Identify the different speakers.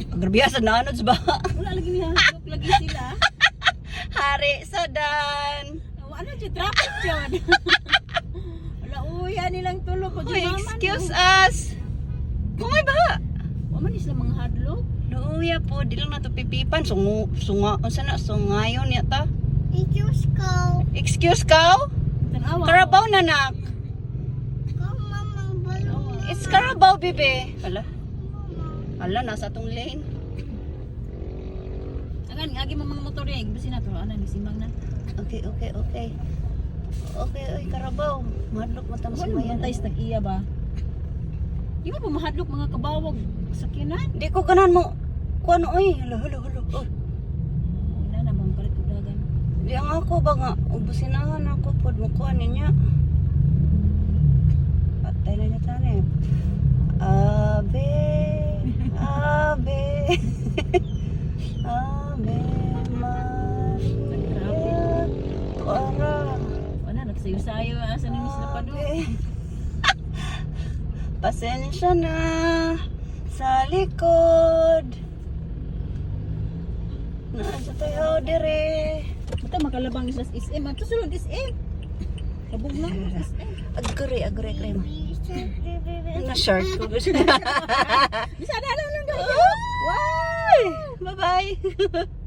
Speaker 1: Grabe sa nanods ba?
Speaker 2: Wala lagi niya. Lagi sila.
Speaker 1: Hari sa dan.
Speaker 2: Ano dyan? Traffic dyan. Wala uya nilang tulog.
Speaker 1: Uy, excuse us. Kumay ba?
Speaker 2: Waman sila mga hadlok.
Speaker 1: Luya po, di lang na to pipipan. Unsa na, sungayon yata.
Speaker 3: Excuse ko.
Speaker 1: Excuse ka?
Speaker 2: Tanawa.
Speaker 1: Karabaw na nak.
Speaker 3: Kung mamang balong.
Speaker 1: It's Carabao, bebe. Ala, nasa tong lane.
Speaker 2: Agan, agi mo mga motor yan. Basi na to. Ano, nisimbang na.
Speaker 1: Okay. Okay, oy, Carabao. Madlok mo tamo
Speaker 2: Ano
Speaker 1: sumayan.
Speaker 2: ba tayo tag-iya ba? Di ba pa mahadlok mga kabawag sa kinan?
Speaker 1: Di ko ganan mo. Kuan oy, halo. Oh.
Speaker 2: Wala na bang kalit udagan.
Speaker 1: Di ang ako ba nga, ubusinahan ako pod mo kuan niya. Patay na niya tani. Ave. Ave Maria. Tuara.
Speaker 2: Wala, nagsayo-sayo. Asa na sila pa doon?
Speaker 1: Ave. Pasensya na sa likod. Nasa tayo dire.
Speaker 2: Ito makalabang islas SM. Ito sulod SM. Kabog na SM.
Speaker 1: Agree mo. Na short ko.
Speaker 2: Bisa na lang lang.
Speaker 1: Bye-bye.